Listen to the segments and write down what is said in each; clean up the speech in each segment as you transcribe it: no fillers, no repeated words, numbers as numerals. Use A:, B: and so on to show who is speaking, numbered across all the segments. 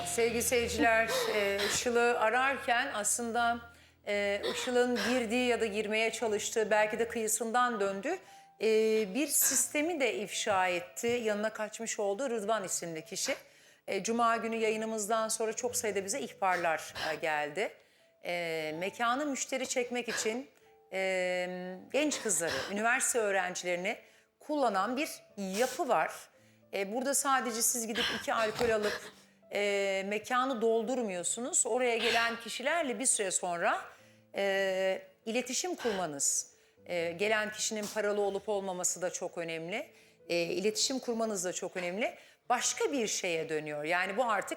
A: Sevgili seyirciler, Işıl'ı ararken aslında Işıl'ın girdiği ya da girmeye çalıştığı, belki de kıyısından döndü. Bir sistemi de ifşa etti. Yanına kaçmış olduğu Rıdvan isimli kişi. Cuma günü yayınımızdan sonra çok sayıda bize ihbarlar geldi. Mekanı müşteri çekmek için genç kızları, üniversite öğrencilerini kullanan bir yapı var. Burada sadece siz gidip 2 alkol alıp mekanı doldurmuyorsunuz. Oraya gelen kişilerle bir süre sonra iletişim kurmanız, gelen kişinin paralı olup olmaması da çok önemli. İletişim kurmanız da çok önemli. Başka bir şeye dönüyor. Yani bu artık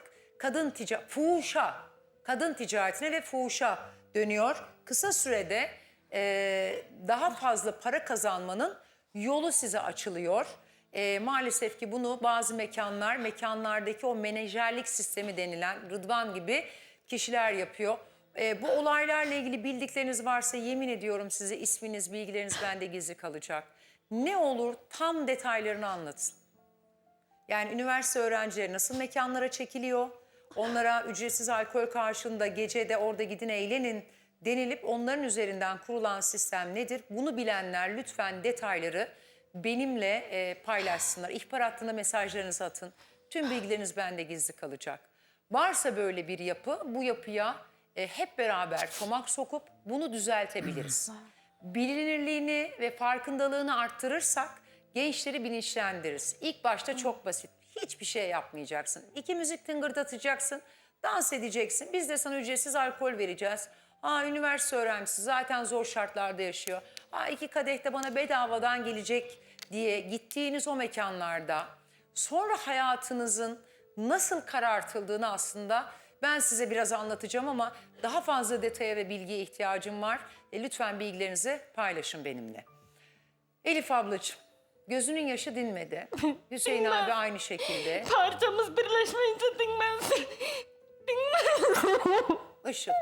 A: kadın ticaretine ve fuhuşa dönüyor. Kısa sürede daha fazla para kazanmanın yolu size açılıyor. Maalesef ki bunu bazı mekanlardaki o menajerlik sistemi denilen Rıdvan gibi kişiler yapıyor. Bu olaylarla ilgili bildikleriniz varsa yemin ediyorum size isminiz, bilgileriniz bende gizli kalacak. Ne olur tam detaylarını anlatın. Yani üniversite öğrencileri nasıl mekanlara çekiliyor? Onlara ücretsiz alkol karşılığında gecede orada gidin eğlenin denilip onların üzerinden kurulan sistem nedir? Bunu bilenler lütfen detayları benimle paylaşsınlar. İhbar hattına mesajlarınızı atın. Tüm bilgileriniz bende gizli kalacak. Varsa böyle bir yapı, bu yapıya hep beraber çomak sokup bunu düzeltebiliriz. Bilinirliğini ve farkındalığını arttırırsak gençleri bilinçlendiririz. İlk başta çok basit. Hiçbir şey yapmayacaksın. 2 müzik tıngırdatacaksın, dans edeceksin. Biz de sana ücretsiz alkol vereceğiz. Üniversite öğrencisi zaten zor şartlarda yaşıyor. 2 kadeh de bana bedavadan gelecek diye gittiğiniz o mekanlarda sonra hayatınızın nasıl karartıldığını aslında ben size biraz anlatacağım ama daha fazla detaya ve bilgiye ihtiyacım var. Lütfen bilgilerinizi paylaşın benimle. Elif ablacığım, gözünün yaşı dinmedi. Hüseyin abi aynı şekilde.
B: Parçamız birleşmeyince dinmez. Dinmez.
A: Işıl.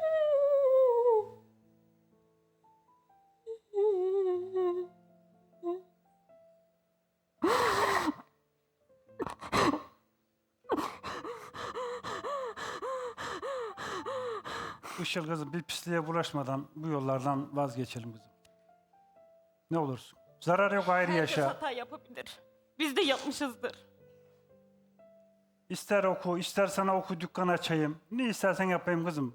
C: Işıl kızım, bir pisliğe bulaşmadan bu yollardan vazgeçelim kızım. Ne olursun. Zarar yok, ayrı
B: Herkes
C: yaşa.
B: hata yapabilir. Biz de yapmışızdır.
C: İster oku, ister sana oku, dükkan açayım. Ne istersen yapayım kızım.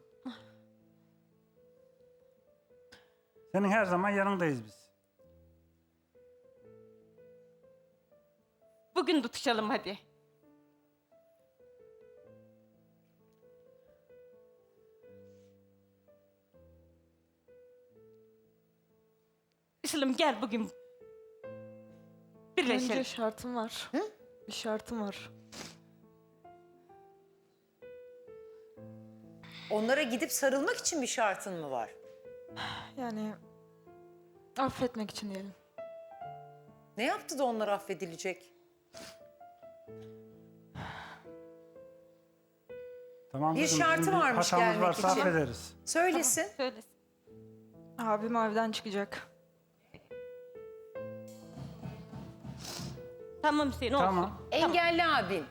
C: Senin her zaman yanındayız biz.
B: Bugün tutuşalım hadi. Işıl'ım gel bugün. Birleşelim.
D: Önce şartım var. Bir şartım var.
A: Onlara gidip sarılmak için bir şartın mı var?
D: Yani affetmek için diyelim.
A: Ne yaptı da onlar affedilecek?
C: Tamam
A: Bir
C: kızım.
A: şartı
C: bizim
A: varmış
C: hatamız
A: gelmek
C: varsa
A: için.
C: affederiz.
A: Söylesin.
B: Söylesin.
D: Abim evden çıkacak.
B: Tamam Hüseyin olsun.
C: Tamam.
A: Engelli abin.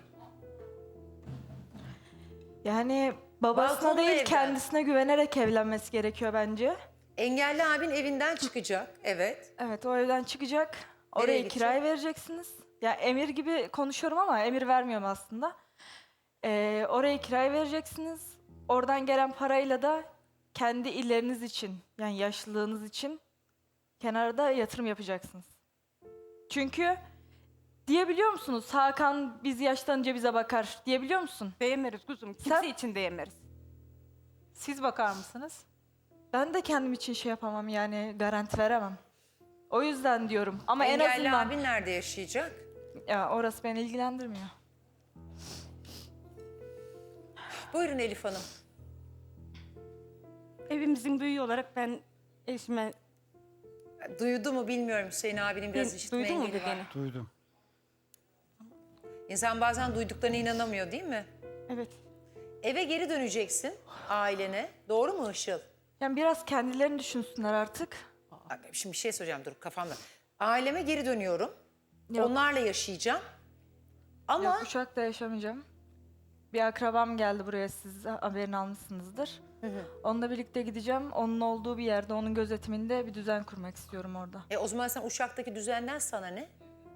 D: Yani babasına
A: Balkonda
D: değil
A: evden.
D: kendisine güvenerek evlenmesi gerekiyor bence.
A: Engelli abin evinden çıkacak. Evet.
D: Evet, o evden çıkacak. Orayı
A: gidecek?
D: kiraya vereceksiniz. Ya emir gibi konuşuyorum ama emir vermiyorum aslında. Orayı kiraya vereceksiniz. Oradan gelen parayla da kendi illeriniz için, yani yaşlılığınız için kenarda yatırım yapacaksınız. Çünkü diyebiliyor musunuz? Hakan biz yaşlanınca bize bakar diyebiliyor musun?
B: Değmeriz kuzum. Kimse
D: Sen-
B: için değmeriz.
E: Siz bakar mısınız?
D: Ben de kendim için şey yapamam, yani garanti veremem. O yüzden diyorum ama en
A: Engelli
D: azından
A: abin nerede yaşayacak?
D: ya orası beni ilgilendirmiyor.
A: Buyurun Elif Hanım.
B: Evimizin büyüğü olarak ben eşime...
A: Duydu mu bilmiyorum, Hüseyin abinin biraz işitme
B: Duydun mu
A: engeli var.
B: dediğini?
C: Duydum.
A: İnsan bazen duyduklarına inanamıyor değil mi?
B: Evet.
A: Eve geri döneceksin ailene. Doğru mu Işıl?
D: Yani biraz kendilerini düşünsünler artık.
A: Şimdi bir şey söyleyeceğim, dur kafamda. Aileme geri dönüyorum.
D: Yok.
A: Onlarla yaşayacağım. Ama
D: Yok, Uşak'ta yaşamayacağım. Bir akrabam geldi buraya, siz haberini almışsınızdır. Onunla birlikte gideceğim. Onun olduğu bir yerde, onun gözetiminde bir düzen kurmak istiyorum orada.
A: O zaman sen Uşak'taki düzenden sana ne?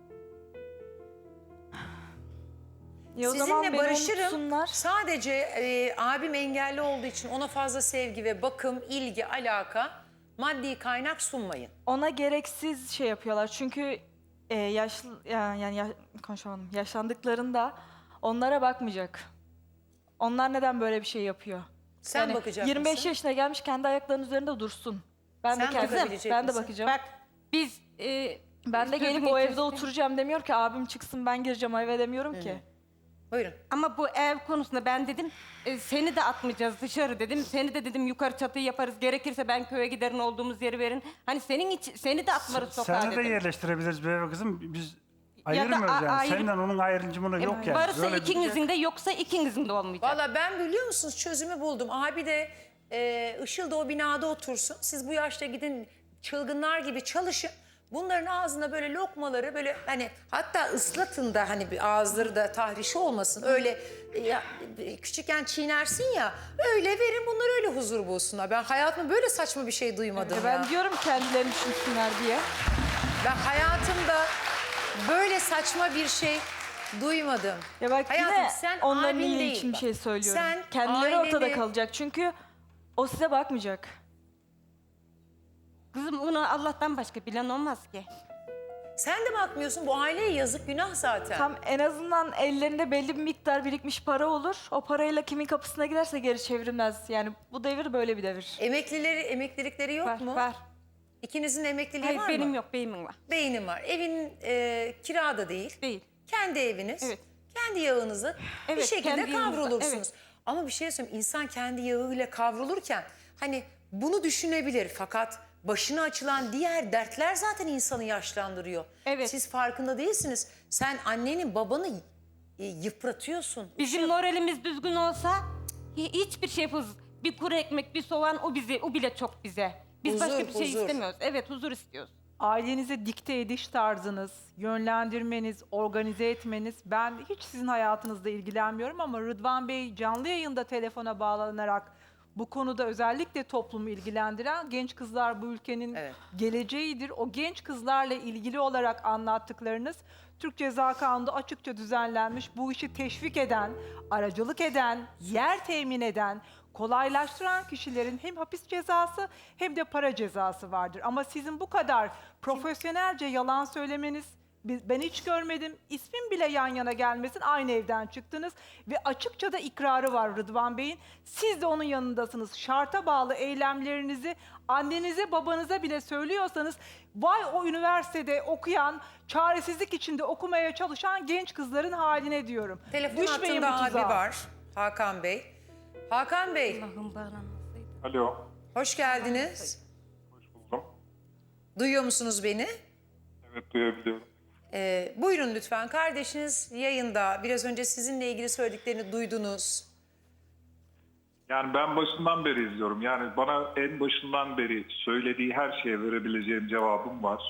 D: Ya o zaman
A: Sizinle
D: beni
A: barışırım.
D: unutsunlar.
A: Sadece abim engelli olduğu için ona fazla sevgi ve bakım, ilgi, alaka, maddi kaynak sunmayın.
D: Ona gereksiz şey yapıyorlar. Çünkü konuşamadım. Yaşlandıklarında onlara bakmayacak. Onlar neden böyle bir şey yapıyor?
A: Sen bakacak
D: 25
A: mısın?
D: yaşına gelmiş, kendi ayaklarının üzerinde dursun. Ben
A: Sen
D: de kendim,
A: bakabilecek
D: ben de
A: misin?
D: bakacağım.
B: Bak biz
D: Ben de gelip
B: sözünü
D: o evde
B: kestim.
D: oturacağım demiyor ki, abim çıksın ben gireceğim o eve demiyorum ki.
A: Buyurun.
B: Ama bu ev konusunda ben dedim seni de atmayacağız dışarı dedim. Seni de dedim yukarı çatıyı yaparız. Gerekirse ben köye giderin, olduğumuz yeri verin. Hani senin için seni de atmarız sokağa
C: Seni de
B: dedim.
C: yerleştirebiliriz bir eve kızım. Biz ayırmıyoruz yani.
B: ayrı-
C: Senden onun ayrımcımını yok yani.
B: Varsa
C: Böyle bir-
B: ikinizin de yoksa ikinizin de olmayacak.
A: Valla ben biliyor musunuz çözümü buldum. Abi de Işıl da o binada otursun. Siz bu yaşta gidin çılgınlar gibi çalışın. Bunların ağzına böyle lokmaları böyle hani hatta ıslatın da hani bir ağızları da tahrişi olmasın. Öyle küçükken çiğnersin ya öyle verin bunlar öyle huzur bulsunlar. Ben hayatımda böyle saçma bir şey duymadım ya.
D: Ben diyorum kendilerini düşünsünler diye.
A: Ben hayatımda böyle saçma bir şey duymadım.
D: Ya bak
A: Hayatım,
D: yine
A: sen
D: onların
A: abin
D: iyiliği
A: değil
D: için bir
A: bak.
D: şey söylüyorum.
A: Sen
D: Kendileri ortada
A: aileni-
D: kalacak çünkü o size bakmayacak.
B: Kızım bunu Allah'tan başka bilen olmaz ki.
A: Sen de bakmıyorsun bu aileye yazık günah zaten.
D: Tam en azından ellerinde belli bir miktar birikmiş para olur. O parayla kimin kapısına giderse geri çevrilmez. Yani bu devir böyle bir devir.
A: Emeklilikleri yok
B: Var
A: mu?
B: var.
A: İkinizin emekliliği
B: Hayır
A: var
B: benim
A: mı?
B: yok, beyimin var.
A: Beynin var. Evin kirada değil.
B: Değil.
A: Kendi eviniz.
B: Evet.
A: Kendi yağınızı bir
B: Evet,
A: şekilde
B: kendi yağımızla,
A: kavrulursunuz.
B: evet.
A: Ama bir şey söyleyeyim. İnsan kendi yağıyla kavrulurken hani bunu düşünebilir. Fakat başına açılan diğer dertler zaten insanı yaşlandırıyor.
B: Evet.
A: Siz farkında değilsiniz. Sen annenin babanı yıpratıyorsun.
B: Bizim moralimiz düzgün olsa hiçbir şey yapılmaz. Bir kuru ekmek, bir soğan o bile çok bize. Biz
A: Huzur,
B: başka bir şey
A: huzur.
B: istemiyoruz. Evet, huzur istiyoruz.
E: Ailenize dikte ediş tarzınız, yönlendirmeniz, organize etmeniz. Ben hiç sizin hayatınızla ilgilenmiyorum ama Rıdvan Bey canlı yayında telefona bağlanarak bu konuda özellikle toplumu ilgilendiren genç kızlar bu ülkenin
A: Evet.
E: geleceğidir. O genç kızlarla ilgili olarak anlattıklarınız Türk Ceza Kanunu'nda açıkça düzenlenmiş. Bu işi teşvik eden, aracılık eden, yer temin eden, kolaylaştıran kişilerin hem hapis cezası hem de para cezası vardır. Ama sizin bu kadar profesyonelce yalan söylemeniz ben hiç görmedim. İsmin bile yan yana gelmesin. Aynı evden çıktınız ve açıkça da ikrarı var Rıdvan Bey'in. Siz de onun yanındasınız. Şarta bağlı eylemlerinizi annenize babanıza bile söylüyorsanız vay o üniversitede okuyan, çaresizlik içinde okumaya çalışan genç kızların haline diyorum.
A: Telefon
E: Düşmeyin
A: hattında
E: bu
A: abi
E: tuzağa.
A: var. Hakan Bey. Hakan Bey,
B: Allah'ım bağlanmasaydı.
F: Alo,
A: hoş geldiniz.
F: hoş buldum.
A: Duyuyor musunuz beni?
F: Evet, duyabiliyorum.
A: Buyurun lütfen. Kardeşiniz yayında. Biraz önce sizinle ilgili söylediklerini duydunuz.
F: Yani ben başından beri izliyorum. Yani bana en başından beri söylediği her şeye verebileceğim cevabım var.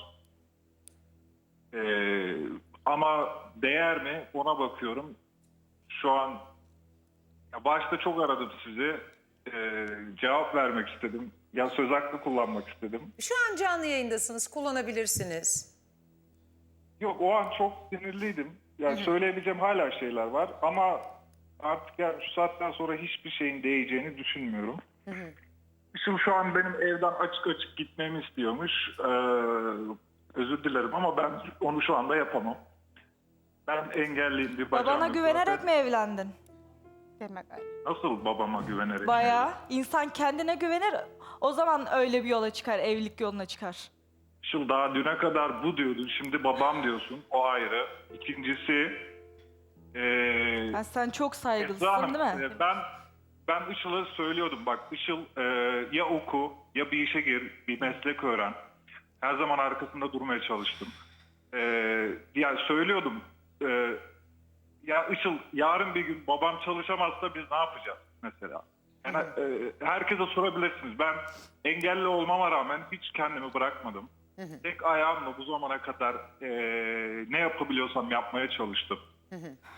F: Ama değer mi ona bakıyorum. Şu an ya başta çok aradım sizi. Cevap vermek istedim. Ya söz hakkı kullanmak istedim.
A: Şu an canlı yayındasınız. Kullanabilirsiniz.
F: Yok, o an çok sinirliydim. Yani söyleyebileceğim hala şeyler var ama artık yani şu saatten sonra hiçbir şeyin değeceğini düşünmüyorum. Işıl şu an benim evden açık açık gitmemi istiyormuş. Özür dilerim ama ben onu şu anda yapamam. Ben engelliyim, bir bacağım
D: Babana
F: yok
D: güvenerek
F: zaten.
D: mi evlendin?
B: Demek öyle.
F: Nasıl babama güvenerek?
D: Bayağı. İnsan kendine güvenir. O zaman öyle bir yola çıkar, evlilik yoluna çıkar.
F: Işıl daha düne kadar bu diyordun, şimdi babam diyorsun. O ayrı. İkincisi...
D: Yani sen çok
F: Esra
D: saygılısın
F: Hanım,
D: değil mi?
F: Ben Işıl'a söylüyordum bak Işıl ya oku ya bir işe gir, bir meslek öğren. Her zaman arkasında durmaya çalıştım. Yani söylüyordum ya Işıl yarın bir gün babam çalışamazsa biz ne yapacağız mesela? Yani, herkese sorabilirsiniz. Ben engelli olmama rağmen hiç kendimi bırakmadım. Tek ayağımla bu zamana kadar ne yapabiliyorsam yapmaya çalıştım.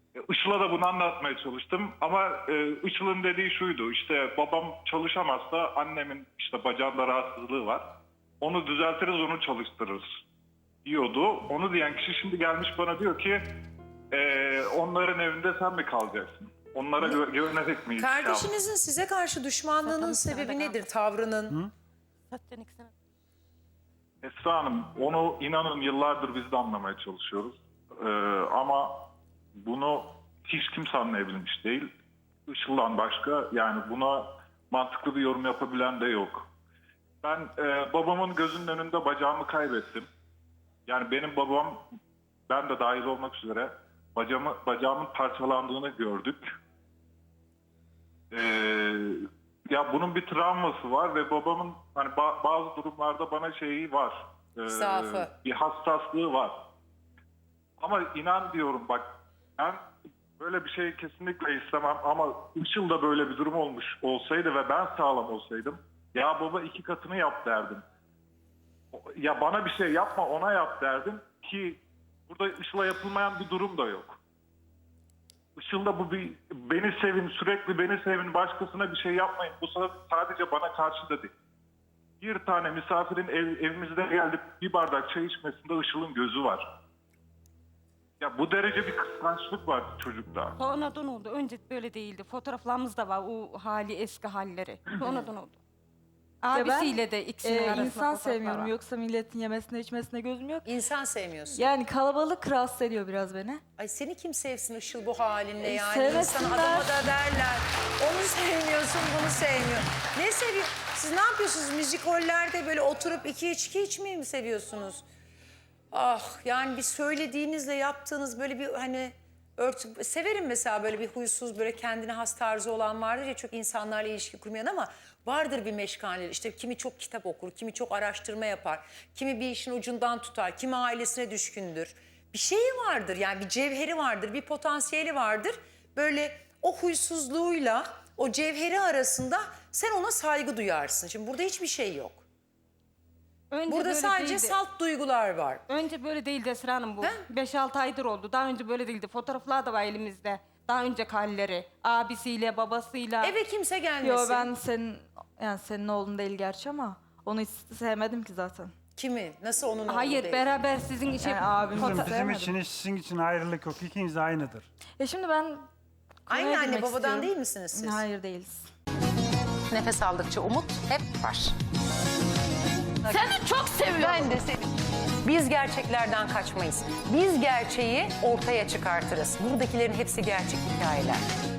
F: Işıl'a da bunu anlatmaya çalıştım ama Işıl'ın dediği şuydu, işte babam çalışamazsa annemin işte bacağında rahatsızlığı var. Onu düzeltiriz, onu çalıştırırız diyordu. Onu diyen kişi şimdi gelmiş bana diyor ki onların evinde sen mi kalacaksın? Onlara güvenerek miyiz?
A: Kardeşinizin size karşı düşmanlığının
B: Zaten
A: sebebi
B: sırada
A: nedir? Tavrının?
B: Zaten ikisine-
F: Esra Hanım, onu inanın yıllardır biz de anlamaya çalışıyoruz. Ama bunu hiç kimse anlayabilmiş değil. Işıl'dan başka, yani buna mantıklı bir yorum yapabilen de yok. Ben babamın gözünün önünde bacağımı kaybettim. Yani benim babam, ben de dahil olmak üzere bacağımın parçalandığını gördük. Ya bunun bir travması var ve babamın hani bazı durumlarda bana şeyi var.
A: Zaafı.
F: Bir hassaslığı var. Ama inan diyorum bak, ben böyle bir şey kesinlikle istemem ama Işıl'da böyle bir durum olmuş olsaydı ve ben sağlam olsaydım, ya baba 2 katını yap derdim. Ya bana bir şey yapma, ona yap derdim ki burada Işıl'a yapılmayan bir durum da yok. Işıl'da bu bir beni sevin, sürekli beni sevin, başkasına bir şey yapmayın. Bu sadece bana karşı da değil. Bir tane misafirin evimizde gelip bir bardak çay içmesinde Işıl'ın gözü var. Ya bu derece bir kıskançlık var çocukta.
B: Sonradan oldu. Önce böyle değildi. Fotoğraflarımız da var. O hali, eski halleri. Sonradan oldu. Abisiyle de ikisinin arasında
D: insan
B: fotoğraflar
D: sevmiyorum.
B: var.
D: Yoksa milletin yemesine içmesine gözüm yok.
A: İnsan sevmiyorsun.
D: Yani kalabalık rahatsız ediyor biraz beni.
A: Ay seni kim sevsin Işıl bu halinle yani?
D: sevmesinler.
A: İnsan adama da derler. Onu sevmiyorsun, bunu sevmiyor. Ne seviyor? Siz ne yapıyorsunuz? Müzikollerde böyle oturup 2 içki içmeyi mi seviyorsunuz? Ah yani bir söylediğinizle yaptığınız böyle bir hani severim mesela böyle bir huysuz, böyle kendine has tarzı olan vardır ya, çok insanlarla ilişki kurmayan ama vardır bir meşgaleleri. İşte kimi çok kitap okur, kimi çok araştırma yapar, kimi bir işin ucundan tutar, kimi ailesine düşkündür. Bir şeyi vardır yani, bir cevheri vardır, bir potansiyeli vardır. Böyle o huysuzluğuyla o cevheri arasında sen ona saygı duyarsın. Şimdi burada hiçbir şey yok.
B: Önce
A: Burada
B: böyle
A: sadece
B: değildi.
A: salt duygular var.
B: Önce böyle değildi Esra Hanım bu.
A: He?
B: 5-6 aydır oldu. Daha önce böyle değildi. Fotoğraflar da var elimizde. Daha önceki halleri. Abisiyle, babasıyla.
A: Eve kimse gelmesin.
D: Yo ben senin oğlun değil gerçi ama onu hiç sevmedim ki zaten.
A: Kimi? Nasıl onun oğlu
B: Hayır,
A: değil?
B: beraber sizin işe...
D: Yani abim
C: Bizim, bizim
D: sevmedim.
C: için hiç sizin için ayrılık yok. İkiniz de aynıdır.
D: Ya şimdi ben
A: Aynı
D: konuya
A: anne
D: girmek
A: babadan
D: istiyorum.
A: değil misiniz siz?
D: Hayır değiliz.
G: Nefes aldıkça umut hep var.
H: Seni çok seviyorum.
G: Ben de seni. Biz gerçeklerden kaçmayız. Biz gerçeği ortaya çıkartırız. Buradakilerin hepsi gerçek hikayeler.